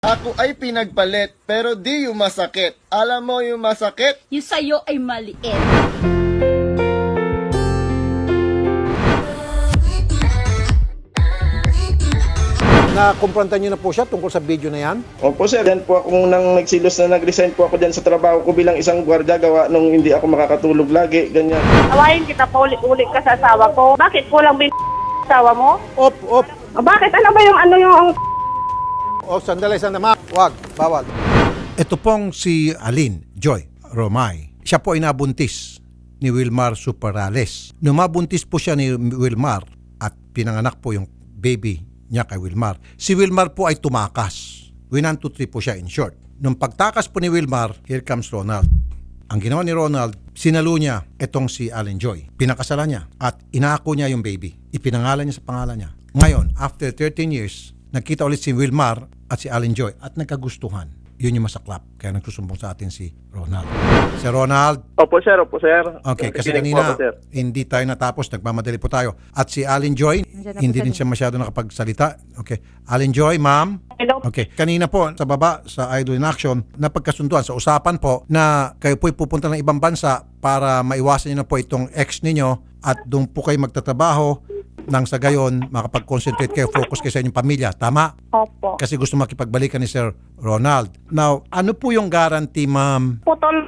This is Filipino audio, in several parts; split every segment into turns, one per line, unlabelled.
Ako ay pinagpalit, pero di yung masakit. Alam mo yung masakit?
Yung sa'yo ay maliit.
Na-confrontan niyo na po siya tungkol sa video na yan?
Opo sir, yan po ako nang nagsilos na nag-resign po ako dyan sa trabaho ko bilang isang gwardiya gawa nung hindi ako makakatulog lagi, ganyan.
Awayin kita pa ulit ka sa asawa ko. Bakit kulang bin asawa mo?
Op!
Bakit? Ano ba yung
Sandali, ma. Wag, bawal. Ito pong si Alin Joy Romay. Siya po ay nabuntis ni Wilmar Superales. Nung mabuntis po siya ni Wilmar at pinanganak po yung baby niya kay Wilmar, si Wilmar po ay tumakas. 1, 2, 3 po siya in short. Nung pagtakas po ni Wilmar, here comes Ronald. Ang ginawa ni Ronald, sinalo niya itong si Alin Joy. Pinakasalan niya at inaako niya yung baby. Ipinangalan niya sa pangalan niya. Ngayon, after 13 years, nagkita ulit si Wilmar at si Alin Joy at nagkagustuhan. Yun yung masaklap. Kaya nagsusumbong sa atin si Ronald. Si Ronald.
Opo sir, opo sir.
Okay, kasi
Nakikinig
kanina
po ako, sir.
hindi tayo natapos. Nagmamadali po tayo. At si Alin Joy, hindi din siya masyado nakapagsalita. Okay. Alin Joy, ma'am.
Hello?
Okay. Kanina po, sa baba, sa Idol in Action, napagkasunduan sa usapan po na kayo po'y pupunta ng ibang bansa para maiwasan niyo na po itong ex ninyo at doon po kayo magtatrabaho nang sa gayon, makapag-concentrate kayo, focus kayo sa inyong pamilya. Tama?
Opo.
Kasi gusto makipagbalikan ni Sir Ronald. Now, ano po yung guarantee, ma'am?
Putol.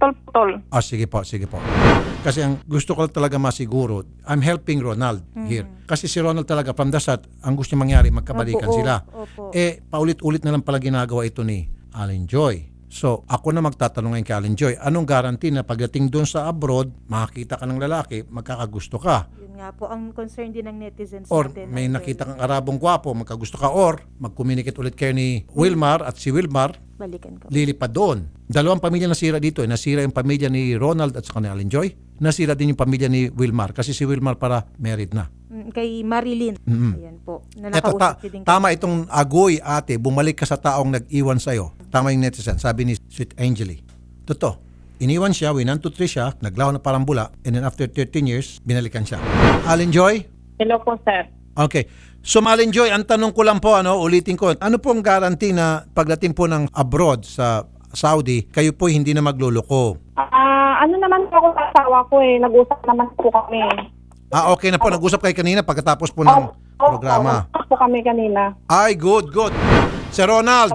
Sige po. Kasi ang gusto ko talaga masiguro, I'm helping Ronald here. Kasi si Ronald talaga, from the start, ang gusto niya mangyari, magkabalikan sila. Paulit-ulit na lang pala ginagawa ito ni Alin Joy. So, ako na magtatanong ngayon kay Alin Joy, anong guarantee na pagdating doon sa abroad, makakita ka ng lalaki, magkakagusto ka?
Yun nga po ang concern din ng netizens
Or
natin.
may nakita kang Arabong gwapo, magkagusto ka, or mag-communicate ulit kayo ni Wilmar at si Wilmar,
Balikan ko.
lilipad doon. Dalawang pamilya nasira dito. Nasira yung pamilya ni Ronald at saka ni Alin Joy. Nasira din yung pamilya ni Wilmar kasi si Wilmar para married na.
Kay Marilyn. Ayan po. Na
Eto,
nakausap din
tama itong agoy ate, bumalik ka sa taong nag-iwan sa'yo. Tama yung netizen, sabi ni Sweet Angeli. Totoo. Iniwan siya, 1, 2, 3 siya, naglaho na parang bula, and then after 13 years, binalikan siya. Alin Joy?
Hello po, sir.
Okay. So Alin Joy, ang tanong ko lang po, ulitin ko, ano pong guarantee na pagdating po ng abroad sa Saudi, kayo po hindi na magluloko?
Ano naman po ako sa asawa ko Nag-usap naman po kami.
Okay na po. Nag-usap kayo kanina pagkatapos po ng programa.
Nag-usap po kami kanina.
Ay, good. Sir Ronald,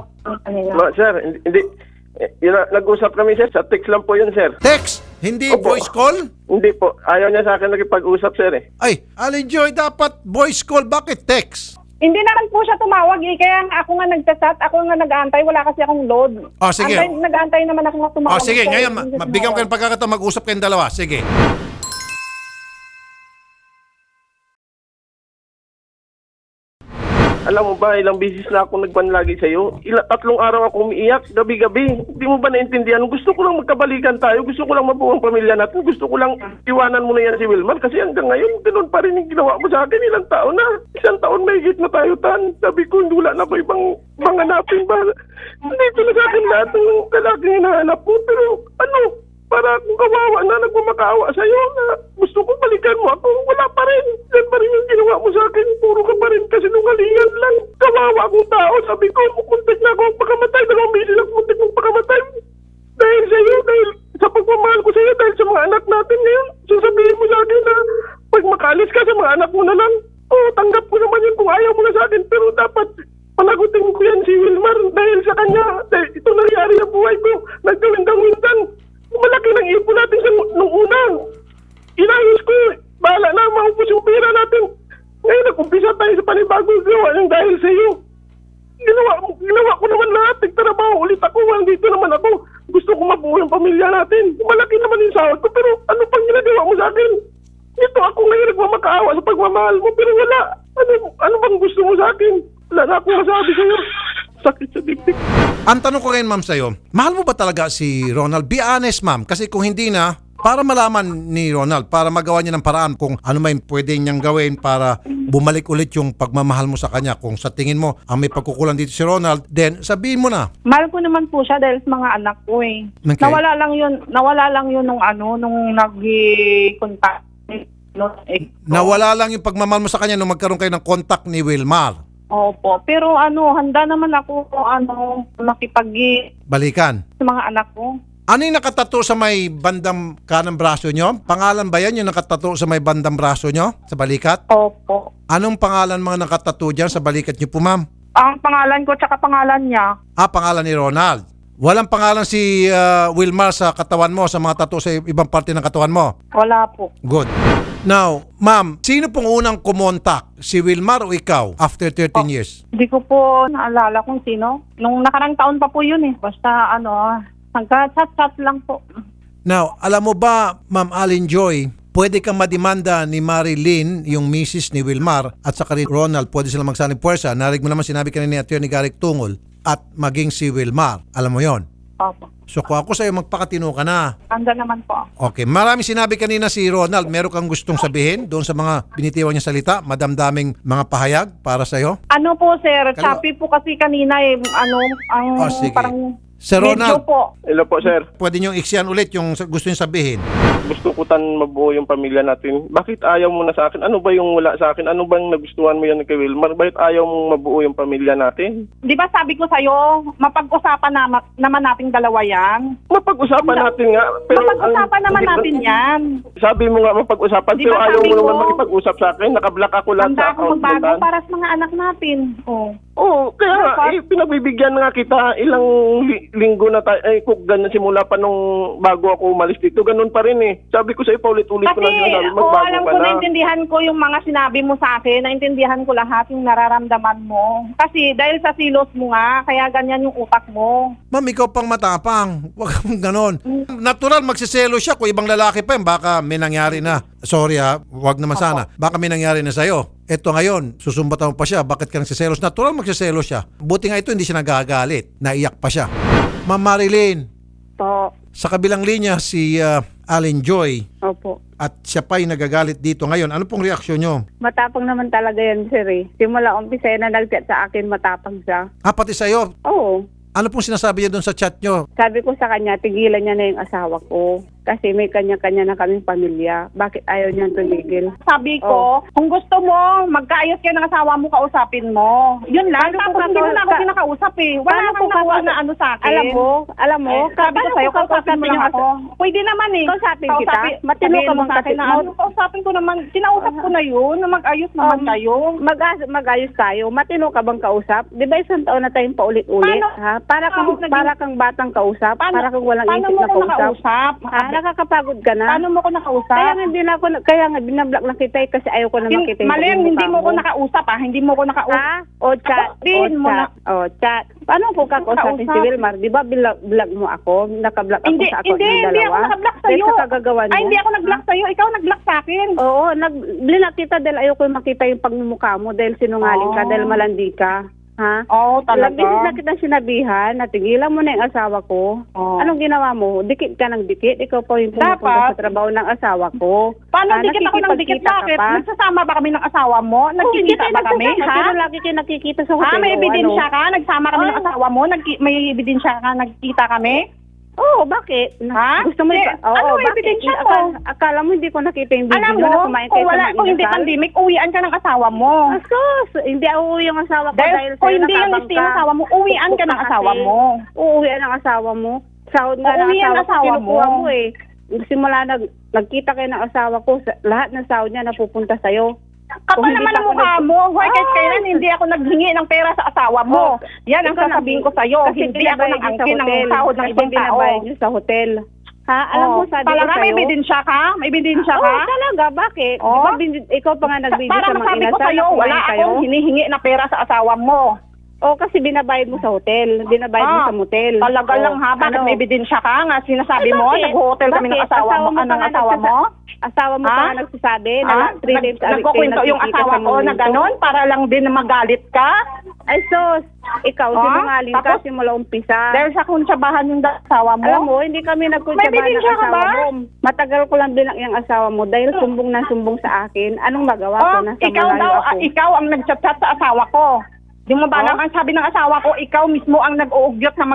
Sir, hindi. Nag-usap kami sir, sa text lang po yun sir.
text, hindi
Opo.
voice call?
Hindi po, ayaw niya sa akin nakipag-usap sir
Ay, Alin Joy, dapat voice call. Bakit text?
Hindi naman po siya tumawag Kaya nga ako nga nagchat, ako nga nag-aantay. Wala kasi akong load.
Sige.
Nag-aantay naman ako na tumawag.
Sige,
sir.
ngayon,
Hindi siya
mabigyan ko
tumawag.
ng pagkakataon mag-usap kayong dalawa. Sige.
Alam mo ba, ilang bisis na ako nagban lagi sa'yo. 3 araw ako umiiyak, gabi-gabi. Hindi mo ba naintindihan? Gusto ko lang magkabalikan tayo. Gusto ko lang mabuo ang pamilya natin. Gusto ko lang iwanan mo na yan si Wilmar. Kasi hanggang ngayon, ganun pa rin yung ginawa mo sa akin. Ilang taon na. 1 taon may higit na tayo, Tan. Sabi ko, wala na ba ibang hanapin ba? Hindi ko na sa akin lahat ng lalaking hinahanap mo. Pero ano, para kung kawawa na nagmamakaawa sa'yo na gusto ko balikan mo ako, wala pa rin. Yan pa rin yung ginawa mo sa akin. Puro ka pa rin kasi nungalingan lang. Kawawa akong tao. Sabi ko, mukuntik na ako ang pagkamatay. 2 beses ako muntik mong pagkamatay. Dahil sa'yo, dahil sa pagmamahal ko sa'yo, dahil sa mga anak natin ngayon. Sasabihin mo sa akin na pag makaalis ka sa mga anak mo na lang, tanggap ko naman yun kung ayaw mo na sa akin. Pero dapat panagutin ko yan si Wilmar dahil sa kanya. Dahil ito nangyari sa buhay ko. Nagkawindang-windang. Malaki ng ipon natin sa nung una. Inayos ko. Bahala na, maupos yung pera natin. Ngayon, nag-umpisa tayo sa panibagong gawa ng dahil sa iyo. Ginawa ko naman lahat. Nagtrabaho ulit ako. Dito naman ako. Gusto ko mabuo yung pamilya natin. Malaki naman yung sahod ko. Pero ano pang ginagawa mo sa akin? Ito ako ngayon nagmamakaawa sa pagmamahal mo. Pero wala. Ano bang gusto mo sa akin? Wala na akong masabi sa iyo. Sakit sa dibdib.
Ang tanong ko ngayon, ma'am, sa'yo, mahal mo ba talaga si Ronald? Be honest, ma'am. Kasi kung hindi na, para malaman ni Ronald, para magawa niya ng paraan kung ano may pwede niyang gawin para bumalik ulit yung pagmamahal mo sa kanya. Kung sa tingin mo, ang may pagkukulang dito si Ronald, then sabihin mo na.
Mahal ko naman po siya dahil sa mga anak ko
Okay.
Nawala lang yun nung nag-contact.
Nawala lang yung pagmamahal mo sa kanya nung magkaroon kayo ng contact ni Wilmar.
Opo. Pero handa naman ako makipag
Balikan.
sa mga anak ko.
Ano yung nakatato sa may bandang kanang braso nyo? Pangalan ba yan yung nakatato sa may bandang braso nyo? Sa balikat?
Opo.
Anong pangalan mga nakatato dyan sa balikat nyo po, ma'am?
Ang pangalan ko tsaka pangalan niya.
Pangalan ni Ronald. Walang pangalan si Wilmar sa katawan mo, sa mga tattoo sa ibang parte ng katawan mo?
Wala po.
Good. Now, ma'am, sino pong unang kumontak? Si Wilmar o ikaw after 13 years?
Hindi ko po naalala kung sino. Nung nakarang taon pa po yun eh. Basta hanggang chat lang po.
Now, alam mo ba, Ma'am Allen Joy, pwede kang madimanda ni Marilyn, yung misis ni Wilmar, at saka rin Ronald, pwede sila magsaling puwersa. Narinig mo naman sinabi kanina ni Atty. Garrick Tungol, at maging si Wilmar. Alam mo yon.
Opo.
So kung ako sa'yo, magpakatino ka na.
Handa naman po.
Okay, marami sinabi kanina si Ronald. Meron kang gustong sabihin doon sa mga binitiwan niya salita? Madamdaming mga pahayag para sa'yo?
Ano po sir,
Kaliwa.
choppy po kasi kanina eh. Ang
Sige.
parang
Sir
medyo
Ronald,
po.
Hello po, sir.
pwede niyong iksiyan ulit yung gusto niyo sabihin.
Gusto ko mabuo yung pamilya natin. Bakit ayaw mo na sa akin? Ano ba yung wala sa akin? Ano bang nagustuhan mo yan kay Wilmar? Bakit ayaw mong mabuo yung pamilya natin?
Di ba sabi ko sa'yo, mapag-usapan naman nating dalawa yan.
Mapag-usapan natin nga. Pero
Mapag-usapan naman natin yan.
Sabi mo nga mapag-usapan,
Di
pero
ba
ayaw
sabi
mo
ko,
naman makipag-usap sa akin. Nakablock ako lahat
Handa
sa
ako
account mo.
magbago para sa mga anak natin. Oh.
Oo, kaya nga, pinagbibigyan nga kita ilang linggo na tayo. Kung ganyan simula pa nung bago ako umalis dito, ganun pa rin eh. Sabi ko sa'yo, paulit-ulit ko
Kasi,
na sinasabi,
oo,
magbago
alam
ka
ko,
na.
naintindihan ko yung mga sinabi mo sa akin, naintindihan ko lahat yung nararamdaman mo. Kasi dahil sa silos mo nga, kaya ganyan yung utak mo.
Ma'am, ikaw pang matapang. Huwag kang ganon. Natural, magsiselo siya. Kung ibang lalaki pa yun, baka may nangyari na. Sorry ha, huwag naman sana. Baka may nangyari na sa'yo. Ito ngayon, susumbatan mo pa siya. Bakit ka nagsiselos? Natural, magsiselo siya. Buti nga ito, hindi siya nagagalit. Naiyak pa siya. Ma'am Marilyn,
Po.
sa kabilang linya, si Allen Joy.
Opo.
At siya pa'y nagagalit dito. Ngayon, ano pong reaksyon nyo?
Matapang naman talaga yan, sir eh. Simula umpisa na nag-chat sa akin, matapang siya.
Pati sa'yo.
Oo.
Ano pong sinasabi niya doon sa chat nyo?
Sabi ko sa kanya, tigilan niya na yung asawa ko. Kasi may kanya-kanya na kaming pamilya. Bakit ayaw niyang tumigil?
Sabi ko, kung gusto mo, magkaayos kayo ng asawa mo, kausapin mo. Yun lang.
Paano
Tapos
ko
hindi mo na ako
ka-
kinakausap eh. Wala
Paano
kang
ko
nakuha
kakausap-
na ano sa akin.
Alam mo,
Sabi ko sa'yo, kausapin mo lang ako. Pwede naman eh.
Kausapin kita? Matino
Sabihin
ka
mo
bang
sa akin na
kasi-
ano, kausapin ko naman. Kinausap ko na yun, na mag-ayos naman kayo.
Mag-ayos tayo. Matino ka bang kausap? Di ba isang taon na tayong paulit-ulit?
Paano?
Ha? Para kang batang kausap? Para kang walang
paano
isip
mo
na
ko
kausap?
nakausap?
Ha? Nakakapagod ka na?
Paano mo ko nakausap?
Kaya nga binablock lang kita eh, kasi ayaw ko na makita yung
Malim,
mukha
hindi mo ko nakausap Hindi mo ko nakausap.
Ha? O chat.
Sabihin mo na.
Chat. Paano ko kakausapin si Wilmar? Di ba vlog mo ako? Nakablock ako
Hindi,
sa account
hindi,
ng
hindi ako
dalawa?
naka-block sa'yo.
Dahil sa kagagawa niya?
Ay, hindi ako nag-block sa'yo. Ikaw nag-block sa akin.
Oo, blinak kita dahil ayaw ko makita yung pagmumukha mo dahil sinungaling ka,
Oh.
dahil malandi ka. Ha?
Oo,
Ilang
talaga.
beses na kitang sinabihan na tigilan mo na yung asawa ko.
Oo.
Anong ginawa mo? Dikit ka ng dikit? Ikaw pa yung pumupunta
Dapat.
sa trabaho ng asawa ko.
Paano dikit ako ng dikit?
nakikipagkita ka
Bakit?
pa?
Nagsasama ba kami ng asawa mo? Nagkikita ba kami? Ha?
Pero lagi kayo nakikita sa hotel.
May
o
ebidensya
ano?
ka? Nagsama kami ng asawa mo? May ebidensya ka? Nagkita kami?
Oo, bakit?
Ha?
Gusto mo
Eh,
Oo,
ano
bakit?
ebidensya mo?
Akala mo hindi ko nakita yung video
Alam
na
mo,
kumain
kung
kayo
wala,
sa
kung hindi
Inasal?
pandemic, uwian ka ng asawa mo.
Asos, hindi uuwi yung asawa ko
Dahil
dahil
kung
sa'yo
hindi yung
nakabang
gusto yung asawa mo, uwian ka ng asawa mo.
Uuwian ng asawa mo. Sahod nga ng
Uuwi ang
asawa ko,
asawa
kinukuha
mo.
mo eh. Simula nagkita kayo ng asawa ko, lahat ng sahod niya napupunta sa'yo.
Kapal
Kung hindi
naman
pa
ang
ako
mukha
nag-
mo. Why kahit kailan hindi ako naghingi ng pera sa asawa mo? Yan ang
Ikaw
sasabihin ko sa'yo.
kasi
Hindi ako
binabayad niyo sa
nag-angkin ng
hotel.
sahod ng
Kasi
ibang tao.
binabayad niyo sa hotel. Ha? Alam mo, sabi ko
Talaga may
sa'yo.
ebidensya ka? May ebidensya ka?
Oo, talaga. Bakit?
Oo.
Di ba ikaw pa nga nag-video
Para
sa mga
masabi ko
inasal
sa'yo,
na kumain
wala
kayo?
akong hinihingi na pera sa asawa mo.
Oo, kasi binabayad mo sa hotel. Binabayad mo sa motel.
Talaga
Oo,
lang ha? Bakit
ano?
may ebidensya ka nga? Sinasabi
Ay,
mo,
bakit?
nag-hotel kami ng
Bakit?
asawa mo.
pa
Anong
nga
asawa mo?
Asawa mo pa nga nagsasabi na 3 days
Nagkukwento yung asawa ko na gano'n para lang din na magalit ka.
Ay, sos. Ikaw, sinungaling ka
Tapos,
simula umpisa.
Dahil sa kuntsabahan yung asawa mo.
Alam mo, hindi kami
May
nagkuntsabahan ng
ebidensya ka
asawa
ba?
mo. Matagal ko lang bilang yung asawa mo dahil sumbong na sumbong sa akin. Anong magawa ko? Nasa
ikaw
malayo
daw,
ako.
ikaw ang nagchat-chat sa asawa ko. Di mo ba naman sabi ng asawa ko, ikaw mismo ang nag-uugyot na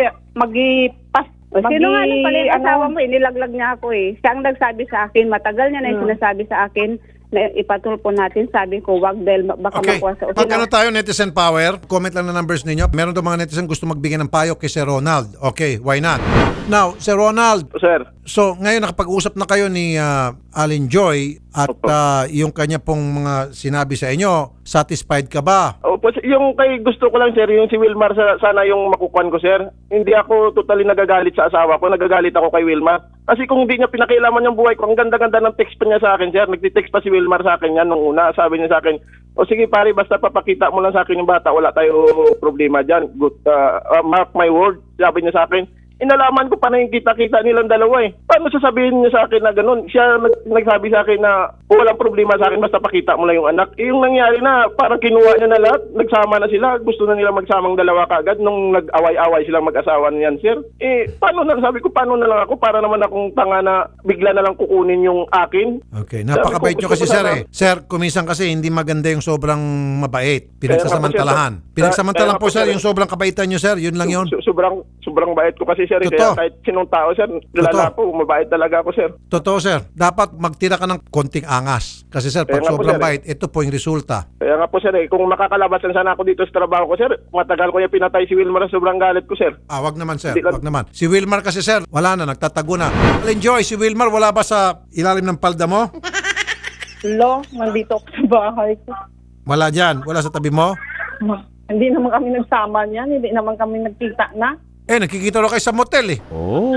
Sino nga nang pala yung asawa mo? Nilaglag niya ako eh. Siya ang nagsabi sa akin. Matagal niya na yung sinasabi sa akin na ipatulpo natin. Sabi ko, wag dahil baka
Okay.
makuha sa
Pag ano tayo, Netizen Power, comment lang na numbers ninyo. Meron daw mga netizen gusto magbigay ng payo kay Sir Ronald. Okay, why not? Now, Sir Ronald,
Sir,
so ngayon nakapag-usap na kayo ni Alin Joy at
Opo.
yung kanya pong mga sinabi sa inyo, satisfied ka ba?
opo, yung kay gusto ko lang sir, yung si Wilmar sana yung makukuhan ko sir. Hindi ako totally nagagalit sa asawa ko, nagagalit ako kay Wilmar. Kasi kung hindi niya pinakialaman yung buhay ko, ang ganda-ganda ng text pa niya sa akin sir. Nagtitext pa si Wilmar sa akin yan nung una. Sabi niya sa akin, o sige pare, basta papakita mo lang sa akin yung bata, wala tayo problema dyan. Good, mark my word, sabi niya sa akin. Inalaman ko pa na yung kita-kita nilang dalawa eh. Paano sasabihin niya sa akin na ganun? Siya nagsabi sa akin na walang problema sa akin basta pakita mo lang yung anak. Eh, yung nangyari na parang kinuha niya na lahat. Nagsama na sila. Gusto na nila magsamang dalawa kagad nung nag-away-away silang mag-asawa niyan, sir. Eh, paano na? Sabi ko, paano na lang ako? Para naman akong tanga na bigla na lang kukunin yung akin.
Okay, napakabait nyo kasi
gusto ko
sir
sana-
Sir, kuminsan kasi hindi maganda yung sobrang mabait. Pinagsasamantalahan.
Kaya
Pinagsamantalahan
nga po,
po sir,
sir.
yung sobrang kabaitan nyo sir, yun lang yun.
Sobrang bait ko kasi sir.
Totoo.
Kaya kahit sinong tao sir, lala ko, mabait talaga ako sir.
Totoo sir, dapat magtira ka ng konting angas. Kasi sir, pag
Kaya nga po,
sobrang
sir,
bait, ito po yung resulta.
Kaya nga po sir, kung makakalabasan sana ako dito sa trabaho ko sir, matagal ko yung pinatay si Wilmar sa sobrang galit ko sir.
Wag naman sir,
Hindi lang-
wag naman. Si Wilmar kasi sir, wala na, nagtatago na. Enjoy, si Wilmar wala ba sa ilalim ng palda mo?
Lo, nandito ako sa bahay ko.
Wala dyan, wala sa tabi mo?
Hindi naman kami nagsama niyan, hindi naman kami nagkita na.
Nakikita ro kayo sa motel eh.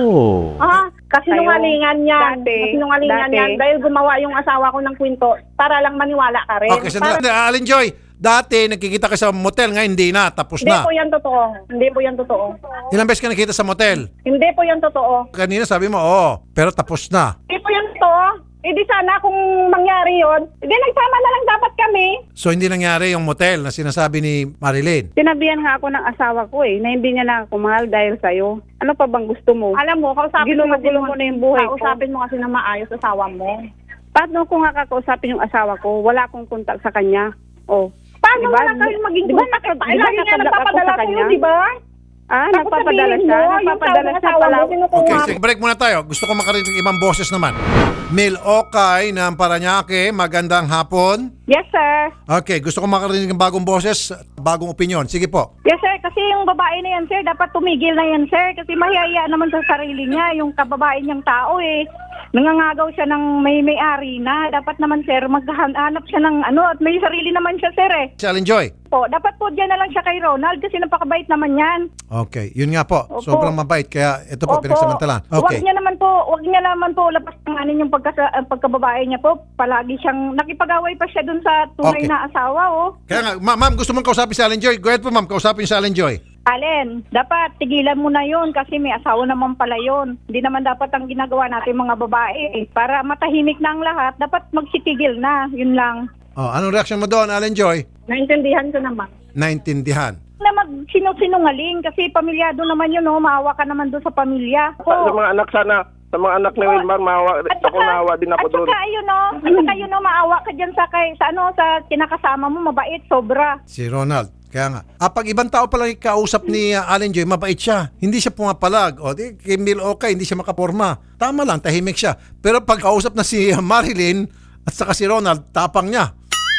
Kasi
Kayo,
nungalingan yan.
dati,
Kasinungalingan
dati.
yan. Dahil gumawa yung asawa ko ng kwento para lang maniwala ka rin.
Okay, sandali. Alin Joy, dati nakikita ka sa motel, ngayon hindi na, tapos
Hindi
na.
po yan totoo. Hindi po yan totoo.
Ilang beses ka nakita sa motel?
Hindi po yan totoo.
Kanina sabi mo, oo, pero tapos na.
Hindi po yan totoo. Eh di sana kung mangyari yon, di nagsama na lang dapat kami.
So hindi nangyari yung motel na sinasabi ni Marilyn.
Sinabihan nga ako ng asawa ko na hindi niya na ako mahal dahil sa'yo. Ano pa bang gusto mo?
Alam mo, kausapin mo
Ginugulo mo na yung buhay ko.
Kausapin mo kasi na maayos asawa mo.
Paano ko nga kakausapin yung asawa ko? Wala akong kontak sa kanya. Oh.
Paano
Diba?
mo na kayo maging
Diba
contact?
nakad-
Ay,
diba
lagi nga
nakadlak ako
nagpapadala
sa
sa'yo,
kanya?
di ba? Tapos
Nagpapadala
sabihin
siya.
mo, yung
Nagpapadala
tawag
siya
asawa
pala.
mo, kinukuha
Okay,
mo.
sige, break muna tayo. Gusto ko makarinig ng ibang boses naman. Mil Okay ng Paranaque, magandang hapon.
Yes, sir.
Okay, gusto ko makarinig ng bagong boses, bagong opinion. Sige po.
Yes, sir. Kasi yung babae na yan, sir, dapat tumigil na yan, sir. Kasi mahihiya naman sa sarili niya, yung kababae niyang tao eh. Nangangagaw siya ng may-ari na. Dapat naman, sir, maghanap siya ng ano, at may sarili naman siya, sir eh.
Si Alin Joy.
Po, dapat po dyan na lang siya kay Ronald kasi napakabait naman yan.
Okay, yun nga po.
Opo.
Sobrang mabait, kaya ito po, pinagsamantalahan. Okay.
Huwag niya naman po labas ng ano yung pagkababae niya po. Palagi siyang nakipag-away pa siya dun sa tunay
Okay.
na asawa, oh.
Kaya nga, ma'am, gusto mong kausapin si Alin Joy? Go ahead po, ma'am, kausapin si Alin Joy.
Allen, dapat tigilan mo na yun kasi may asawa naman pala yun. Hindi naman dapat ang ginagawa natin mga babae. Para matahimik na ang lahat, dapat magsitigil na. Yun lang.
Oh, anong reaction mo doon, Alin Joy?
Naintindihan ko naman.
Naintindihan.
Na magsinungaling kasi pamilyado naman yun, oh. Maawa ka naman doon sa pamilya.
Sa mga anak sana, sa mga anak ni Wilmar, maawa din ako doon.
At saka yun, no? At saka yun, no? Maawa ka dyan sa kinakasama mo, mabait, sobra.
Si Ronald. Kaya nga. Pag ibang tao palang ikausap ni Alin Joy, mabait siya. Hindi siya pumapalag. O, di, kay Mil Okay, hindi siya makaporma. Tama lang, tahimik siya. Pero pag kausap na si Marilyn at saka si Ronald, tapang niya.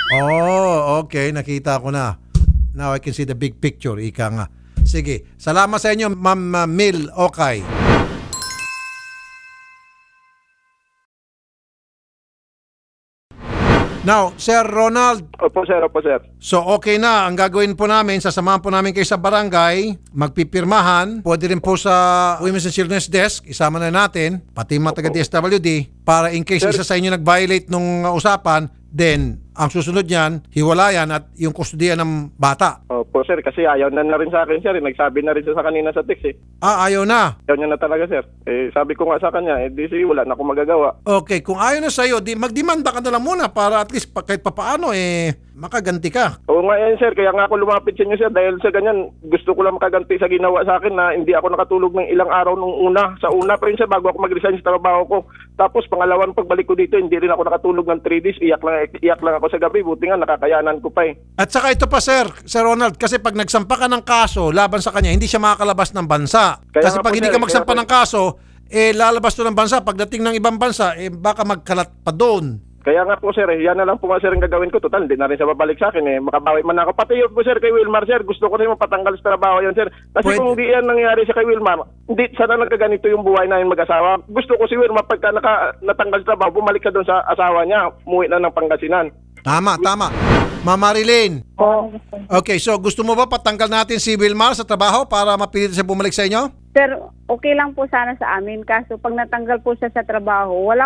Oh, okay. Nakita ko na. Now I can see the big picture. Ika nga. Sige. Salamat sa inyo, Ma'am Mil Okay. Now, Sir Ronald,
Opo sir, opo sir.
so okay na, ang gagawin po namin, sasamahan po namin kayo sa barangay, magpipirmahan, pwede rin po sa Women's and Children's Desk, isama na natin, pati yung mga taga-DSWD, para in case isa sa inyo nag-violate nung usapan, then ang susunod niyan, hiwalayan at yung kustudiya ng bata.
Opo sir, kasi ayaw na rin sa akin sir. Nagsabi na rin siya sa kanina sa text eh.
Ayaw na.
Ayaw niya na talaga sir. Sabi ko nga sa kanya, di sige, wala na akong magagawa.
Okay, kung ayaw na sa'yo, di magdemanda ka na lang muna para at least kahit papaano, makaganti ka.
Oo nga yan sir, kaya nga ako lumapit sa inyo sir dahil sa ganyan, gusto ko lang makaganti sa ginawa sa akin na hindi ako nakatulog ng ilang araw nung una. Sa una pa yun sir, bago ako mag-resign sa trabaho ko. Tapos pangalawang pagbalik ko dito, hindi rin ako nakatulog ng 3 days. Iyak lang ako sa gabi, buti nga nakakayanan ko pa eh.
At saka ito pa Sir Ronald, kasi pag nagsampa ka ng kaso laban sa kanya, hindi siya makakalabas ng bansa.
Kaya
Kasi
nga
pag
po,
hindi
sir,
ka magsampa
kaya po-
ng kaso, lalabas to ng bansa. Pagdating ng ibang bansa, baka magkalat pa doon.
Kaya nga po sir, yan na lang po nga sir ang gagawin ko. Total, hindi na rin siya babalik sa akin Makabawi man ako. Pati yun po sir kay Wilmar sir, gusto ko rin mapatanggal sa trabaho yan sir. Kasi
Pwede.
kung hindi yan nangyari sa kay Wilmar, hindi sana nagkaganito yung buhay namin mag-asawa. Gusto ko si Wilmar pagka natanggal sa trabaho, bumalik ka doon sa asawa niya, umuwi na ng Pangasinan.
Tama. Ma'am Marilyn. Okay, so gusto mo ba patanggal natin si Wilmar sa trabaho para mapilit siya bumalik sa inyo?
Sir, okay lang po sana sa amin. Kaso pag natanggal po siya sa trabaho, wala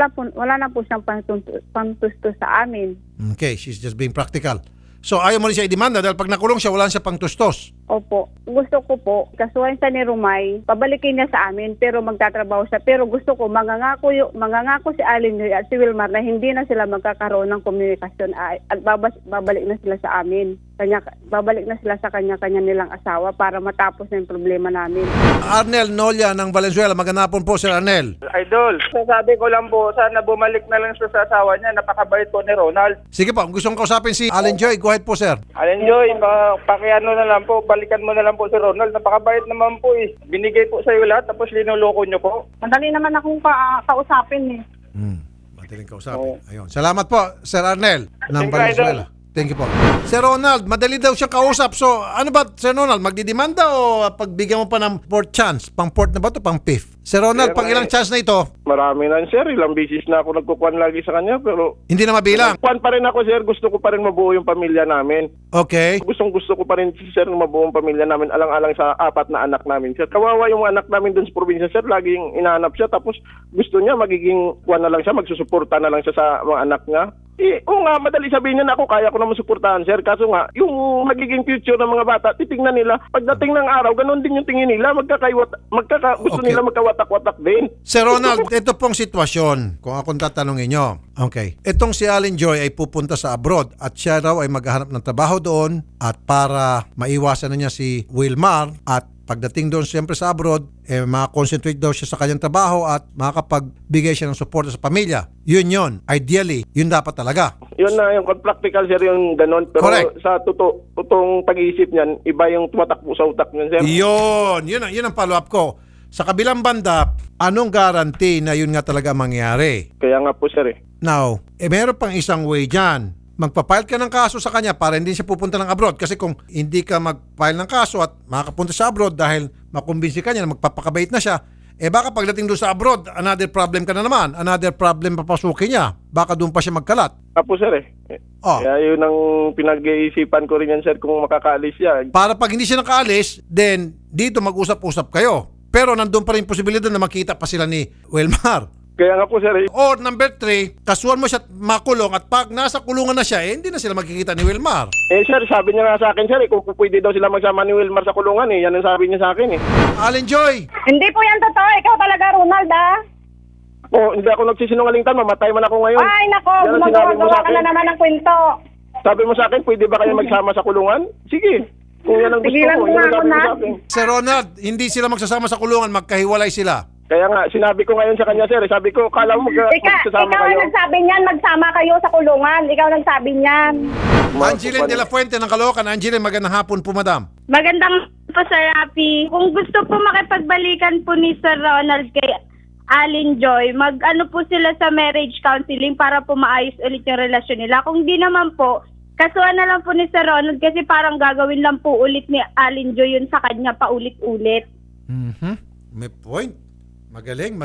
na po siyang pantustos sa amin.
Okay, she's just being practical. So ayaw mo rin siya idemanda dahil pag nakulong siya, wala siya pang tustos.
Opo. Gusto ko po, kasuhan siya ni Romay, pabalikin niya sa amin, pero magtatrabaho siya. Pero gusto ko, mangangako si Alin at si Wilmar na hindi na sila magkakaroon ng komunikasyon at babalik na sila sa amin. Babalik na sila sa kanya-kanya nilang asawa para matapos na yung problema namin.
Arnel Nolia ng Valenzuela, magandang hapon po, Sir Arnel.
Idol, sasabi ko lang po, sana bumalik na lang siya sa asawa niya. Napakabait po ni Ronald.
Sige po, gusto kong kausapin si Allen Joy. Go ahead po, sir.
Alin Joy, pakiano na lang po, balikan mo na lang po si Ronald. Napakabait naman po eh. Binigay po sa iyo lahat, tapos linuloko niyo po.
Madali naman akong kausapin eh.
Madaling kausapin. Ayun. Salamat po, Sir Arnel ng
Thank you,
Valenzuela. Thank you po. Sir Ronald, madali daw siyang kausap. So, ano ba, Sir Ronald, magdidemanda o pagbigyan mo pa ng fourth chance? Pang fourth na ba ito? Pang fifth? Sir Ronald, pang ilang chance na ito?
Marami na sir, ilang bisis na ako nagkukuhan lagi sa kanya, pero
Hindi na mabilang.
kuhan pa rin ako sir, gusto ko pa rin mabuo yung pamilya namin.
Okay.
Gusto ko pa rin sir mabuo ang pamilya namin alang-alang sa 4 na anak namin sir. Kawawa yung anak namin dun sa probinsya sir, laging inaanap siya tapos gusto niya magiging kuhan na lang siya, magsusuporta na lang siya sa mga anak niya. Oo nga, madali sabihin niya na ako, kaya ko naman suportahan sir. Kaso nga, yung magiging future ng mga bata, titingnan nila. Pagdating ng araw, ganun din yung tingin nila. Gusto
Okay.
nila magkawatak-watak din.
Sir Ronald, ito pong sitwasyon, kung akong tatanungin nyo. Okay. Itong si Allen Joy ay pupunta sa abroad at siya raw ay maghahanap ng trabaho doon at para maiwasan na niya si Wilmar at pagdating doon siyempre sa abroad, makakonsentrate daw siya sa kanyang trabaho at makakapagbigay siya ng suporta sa pamilya. Yun. Ideally, yun dapat talaga.
Yun na yung practical sir yung ganun. Pero
Correct.
sa totoong pag-iisip niyan, iba yung tumatakbo sa utak niyan sir.
Yun ang follow-up ko. Sa kabilang banda, anong guarantee na yun nga talaga mangyari?
Kaya nga po sir
Now, meron pang isang way dyan. Magpa-file ka ng kaso sa kanya para hindi siya pupunta ng abroad. Kasi kung hindi ka mag-file ng kaso at makakapunta sa abroad dahil makumbinsi ka niya na magpapakabait na siya, baka pagdating doon sa abroad, another problem ka na naman. Another problem papasukin niya. Baka doon pa siya magkalat.
Apo sir
Oh.
Kaya yun ang pinag-iisipan ko rin yan sir kung makakaalis siya.
Para pag hindi siya nakaalis, then dito mag-usap-usap kayo. Pero nandun pa rin posibilidad na makita pa sila ni Wilmar.
Kaya nga po sir
Or number 3, kasuhan mo siya at makulong at pag nasa kulungan na siya, hindi na sila magkikita ni Wilmar.
sir, sabi niya nga sa akin sir kung pwede daw sila magsama ni Wilmar sa kulungan yan ang sabi niya sa akin
Allen Joy,
Hindi po yan totoo. Ikaw talaga, Ronald,
hindi ako nagsisinungaling tan, mamatay man ako ngayon.
Ay, nako,
Yan ang sinabi mo
gumagawa
sa
ka
akin.
na naman ng kwento.
Sabi mo sa akin, pwede ba kayo magsama sa kulungan? Sige. Kung yan ang gusto
Tigilan
ko,
mo
yan ang
nga
sabi mo
ako,
sa
Nat.
akin.
Sir Ronald, hindi sila magsasama sa kulungan, magkahiwalay sila.
Kaya nga, sinabi ko ngayon sa kanya, sir. Sabi ko, kala mo magsasama
Ikaw
kayo.
ang nagsabi niyan, magsama kayo sa kulungan. Ikaw nagsabi niyan.
Angeline de la Fuente ng Caloocan. Angeline, magandang hapon po, madam.
Magandang po, Sir Rafi. Kung gusto po makipagbalikan po ni Sir Ronald kay Allen Joy, mag-ano po sila sa marriage counseling para po maayos ulit yung relasyon nila. Kung di naman po, kasuhan na lang po ni Sir Ronald kasi parang gagawin lang po ulit ni Allen Joy yun sa kanya paulit-ulit.
May point. Magaling.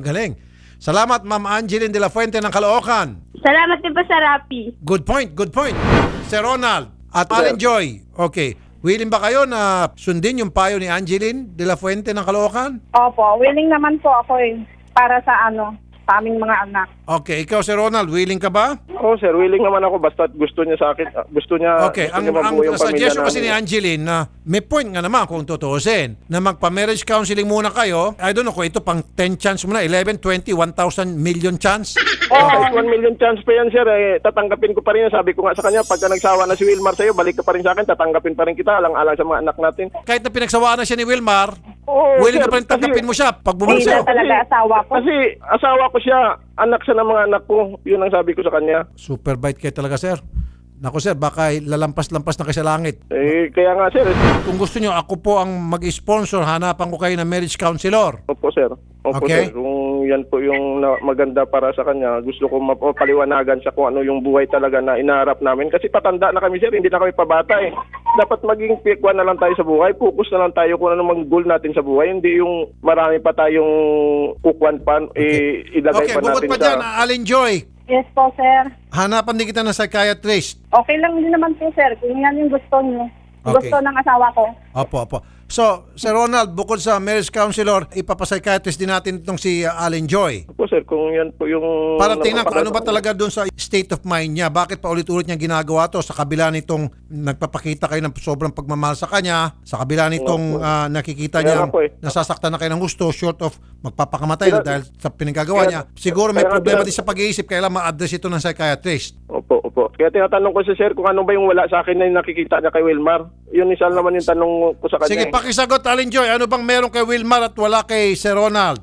Salamat, Ma'am Angeline de la Fuente ng Caloocan.
Salamat din po, Sir Rafi.
Good point. Sir Ronald at Allen Joy. Okay. Willing ba kayo na sundin yung payo ni Angeline de la Fuente ng Caloocan?
Opo, willing naman po ako para sa sa aming mga anak.
Okay. Ikaw, Sir Ronald, willing ka ba?
Oo, sir. Willing naman ako basta gusto niya sa akin. Gusto niya,
Okay,
gusto
ang
niya mabuo yung pamilya
suggestion kasi ni
namin.
Angeline na may point nga naman kung tutuusin na magpa-marriage counseling muna kayo. I don't know kung ito pang 10 chance muna, 11, 20, 1,000 million chance.
Kahit 1 million chance pa yan, sir. Tatanggapin ko pa rin yan. Sabi ko nga sa kanya, pagka nagsawa na si Wilmar sa'yo, balik ka pa rin sa akin, tatanggapin pa rin kita, alang-alang sa mga anak natin.
Kahit na pinagsawaan na siya ni Wilmar,
Oo,
willing
sir,
ka pa rin tanggapin mo siya pag bumalik
Hindi
sa'yo.
na talaga asawa ko.
Kasi asawa ko siya, anak siya ng mga anak ko. Yun ang sabi ko sa kanya.
Super bite kayo talaga, sir. Naku, sir, baka lalampas-lampas na kayo sa langit.
Kaya nga, sir.
Kung gusto nyo, ako po ang mag-sponsor, hanapan ko kayo ng marriage counselor.
Opo, sir. Opo,
Okay.
sir. Kung yan po yung maganda para sa kanya, gusto ko mapaliwanagan siya kung ano yung buhay talaga na inaharap namin. Kasi patanda na kami, sir, hindi na kami pabata eh. Dapat maging pikwan na lang tayo sa buhay, focus na lang tayo kung ano mang goal natin sa buhay, hindi yung marami pa tayong kukwan pa, ilagay
Okay,
pa
bukod
natin
pa
sa...
dyan, Alin Joy,
Yes po, sir.
hanapan din kita ng psychiatrist.
Okay lang din naman po, sir. Kung yan yung gusto niyo.
Okay.
Gusto ng asawa ko.
Opo. So, Sir Ronald, bukod sa marriage counselor, ipapapsychiatrist din natin itong si Alin Joy.
Po, sir, kung yan po yung...
Para tingnan kung ano ba talaga doon sa state of mind niya. Bakit pa ulit-ulit niya ginagawa to sa kabila nitong nagpapakita kayo ng sobrang pagmamahal sa kanya, sa kabila nitong nakikita
Kaya
niya
nga po eh.
nasasaktan na kayo ng gusto short of magpapakamatay na dahil sa pinagagawa niya. Siguro may
kaya nga
problema
sir-
din sa pag-iisip kaya lang ma-address ito ng psychiatrist.
Opo. Kaya tinatanong ko si sir kung ano ba yung wala sa akin na yung nakikita niya kay Wilmar. Yun isa naman yung tanong ko sa kanya.
Sige,
eh.
pakisagot Alin Joy, ano bang meron kay Wilmar at wala kay Sir Ronald?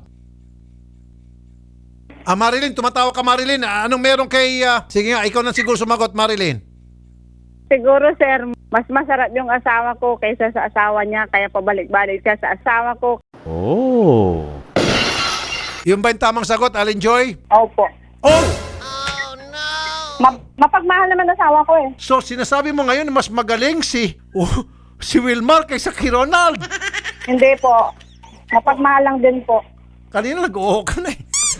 Marilyn, tumatawa ka Marilyn. Anong meron kay... sige nga, ikaw na siguro sumagot Marilyn.
Siguro, sir, mas masarap yung asawa ko kaysa sa asawa niya, kaya pabalik-balik siya sa asawa ko.
Yung ba yung tamang sagot, Alin Joy?
Opo.
Oh!
Mapagmahal naman asawa ko eh.
So, sinasabi mo ngayon na mas magaling si Wilmar kaysa kay Ronald.
Hindi po. Mapagmahal lang din po.
Kanina nag-oo ka na eh.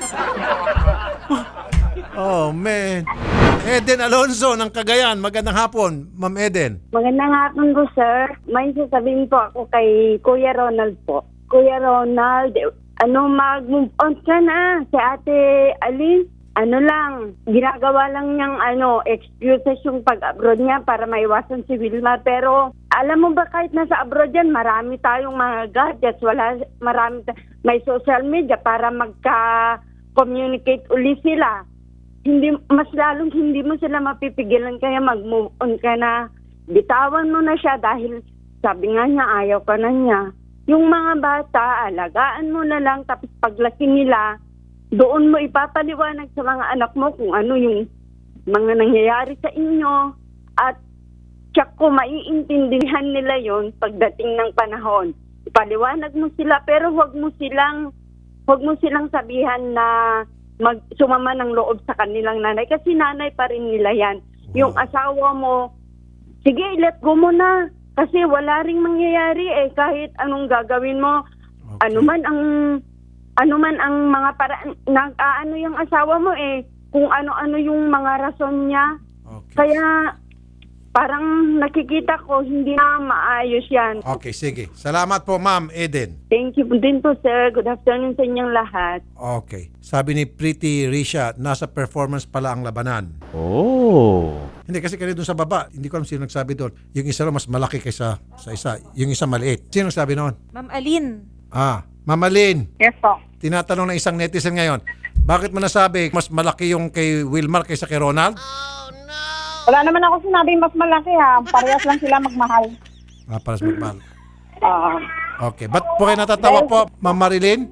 Oh, man. Eden Alonzo ng Cagayan. Magandang hapon, Ma'am Eden.
Magandang hapon po, sir. May sasabihin po ako kay Kuya Ronald po. Kuya Ronald, mag-move on ka na. Si Ate Alin, ginagawa lang niyang excuses yung pag-abroad niya para maiwasan si Wilmar. Pero alam mo ba kahit nasa abroad yan, marami tayong mga gadgets, may social media para magka-communicate uli sila. Mas lalong hindi mo sila mapipigilan, kaya mag-move on ka na. Bitawan mo na siya dahil sabi nga niya ayaw ka na niya. Yung mga bata, alagaan mo na lang, tapos paglaki nila, doon mo ipapaliwanag sa mga anak mo kung ano yung mga nangyayari sa inyo, at tsak ko maiintindihan nila yon pagdating ng panahon. Ipaliwanag mo sila, pero wag mo silang sabihan na sumama ng loob sa kanilang nanay, kasi nanay pa rin nila yan. Yung asawa mo, sige, let go mo na, kasi wala ring mangyayari kahit anong gagawin mo.
Okay.
Ano man ang mga paraan, yung asawa mo kung ano-ano yung mga rason niya.
Okay.
Kaya parang nakikita ko hindi na maayos yan.
Okay, sige. Salamat po, Ma'am Eden.
Thank you din po, sir. Good afternoon sa inyong lahat.
Okay. Sabi ni Pretty Risha, nasa performance pala ang labanan. Oh. Hindi, kasi kanina doon sa baba, hindi ko alam sino nagsabi doon. Yung isa mas malaki kaysa sa isa. Yung isa maliit. Sino nagsabi noon?
Ma'am Alin.
Ma'am Alin.
Yes po.
Tinatanong ng isang netizen ngayon, bakit mo nasabi mas malaki yung kay Wilmar kaysa kay Ronald?
Wala naman ako sinabing mas malaki ha. Parehas lang sila magmahal.
Para sa magmahal. Okay. Ba't po kayo natatawa po, Ma'am Marilyn?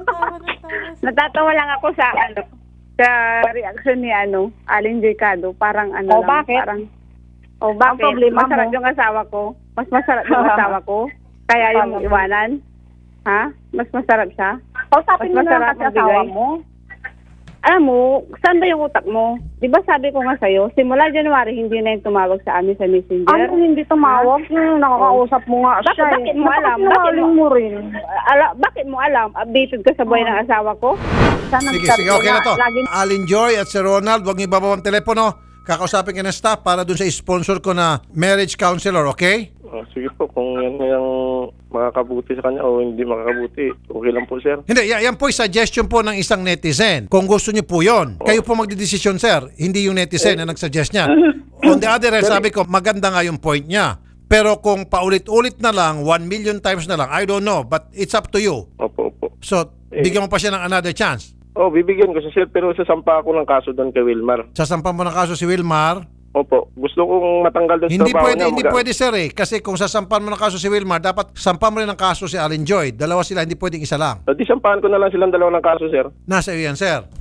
Natatawa lang ako sa reaction ni Alin Jcado. Parang
bakit?
Parang,
Ang
bakit?
problema
Masarap
mo?
yung asawa ko. Mas masarap yung asawa ko. Kaya yung iwanan. Ha? Mas masarap siya.
Kausapin mo
Mas
na lang
masarap
kasi asawa
magbigay.
mo.
Alam mo, saan ba yung utak mo? Di ba sabi ko nga sa'yo, simula January, hindi na yung tumawag sa amin sa Messenger.
Ano hindi tumawag? Nakakausap mo nga siya.
Bakit mo alam?
Sinungaling mo rin.
Bakit mo alam? Updated ka sa buhay ng asawa ko?
Sige, okay na to. Alin Joy at si Ronald, huwag niyo ibaba ang telepono. Kakausapin ka ng staff para dun sa sponsor ko na marriage counselor, okay?
Sige po, kung yan yung makakabuti sa kanya o hindi makakabuti, okay lang po, sir.
Hindi, yan po suggestion po ng isang netizen. Kung gusto niyo po yon, kayo po magdidesisyon, sir. Hindi yung netizen na nagsuggest niya. On the other hand, sabi ko, maganda nga yung point niya. Pero kung paulit-ulit na lang, 1 million times na lang, I don't know. But it's up to you.
Opo.
So, bigyan mo pa siya ng another chance.
Bibigyan ko siya, sir, pero sasampa ako ng kaso doon kay Wilmar.
Sasampan mo ng kaso si Wilmar.
Opo. Gusto kong matanggal doon sa trabaho niya.
Hindi pwede, sir Kasi kung sasampan mo ng kaso si Wilmar, dapat sampan mo rin ng kaso si Alin Joy. Dalawa sila, hindi pwedeng isa lang.
Di sampahan ko na lang silang dalawa ng kaso, sir.
Nasa iyo yan, sir.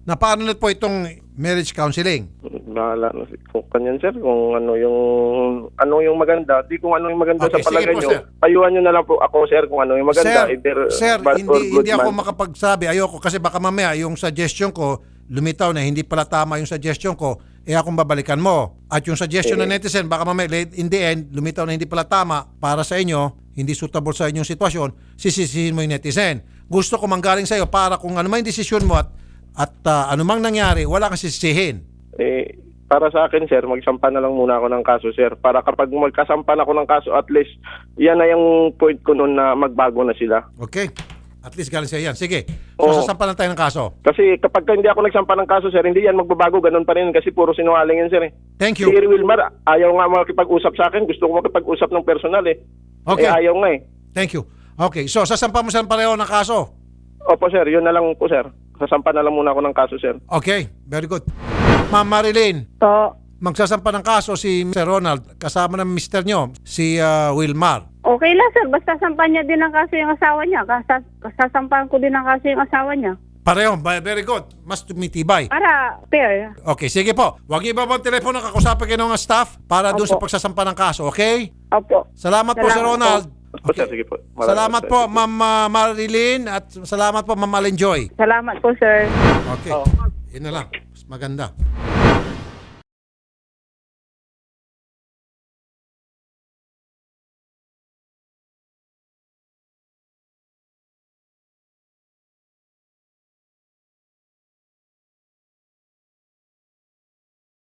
Na paano na po itong marriage counseling?
Bahala na kung kanyan sir, kung ano yung maganda, di kung ano yung maganda
Okay,
sa palagay
sige po,
nyo.
sir.
Payuhan nyo na lang po ako sir kung ano yung maganda.
Sir,
bad or good
hindi ako
man.
makapagsabi. Ayoko kasi baka mamaya yung suggestion ko lumitaw na hindi pala tama yung suggestion ko, akong babalikan mo. At yung suggestion ng netizen, baka mamaya in the end, lumitaw na hindi pala tama para sa inyo, hindi suitable sa inyong sitwasyon, sisisihin mo yung netizen. Gusto ko manggaling sa iyo para kung ano man yung desisyon mo at anumang nangyari, wala kang sisisihin.
Para sa akin sir, magsampa na lang muna ako ng kaso sir. Para kapag magkasampa na ako ng kaso, at least yan na yung point ko noon na magbago na sila.
Okay? At least galing sa yan. Sige. So,
Oo.
sasampa lang tayo ng kaso.
Kasi kapag hindi ako nagsampa ng kaso sir, hindi yan magbabago, ganun pa rin kasi puro sinungaling yan sir eh.
Thank
Si
you.
Wilmar, ayaw nga makipag-usap sa akin. Gusto ko makipag-usap ng personal eh.
Okay.
Ayaw nga eh.
Thank you. Okay. So, sasampa mo silang pareho ng kaso.
Opo sir, yun na lang po sir. Sasampa na lang muna ako ng kaso sir.
Okay. Very good. Ma'am Marilyn,
So,
magsasampa ng kaso si Sir Ronald kasama ng mister nyo, si Wilmar.
okay lang sir, basta sampan niya din ang kaso yung asawa niya. Sasampahan ko din ang kaso yung asawa niya.
Pareho. Very good. Mas tumitibay.
Para fair.
Okay. Sige po. Huwag iba ang telepono. Kakusapin kayo ng staff para doon sa
Opo.
pagsasampa ng kaso. Okay?
Opo.
Salamat po, Sir
Salamat
Ronald.
Opo sir, sige po. Maraming
Salamat
sir.
po, Ma'am Marilyn, at salamat po, Ma'am Alenjoy.
Salamat po sir.
Okay. Yun na lang. Mas maganda.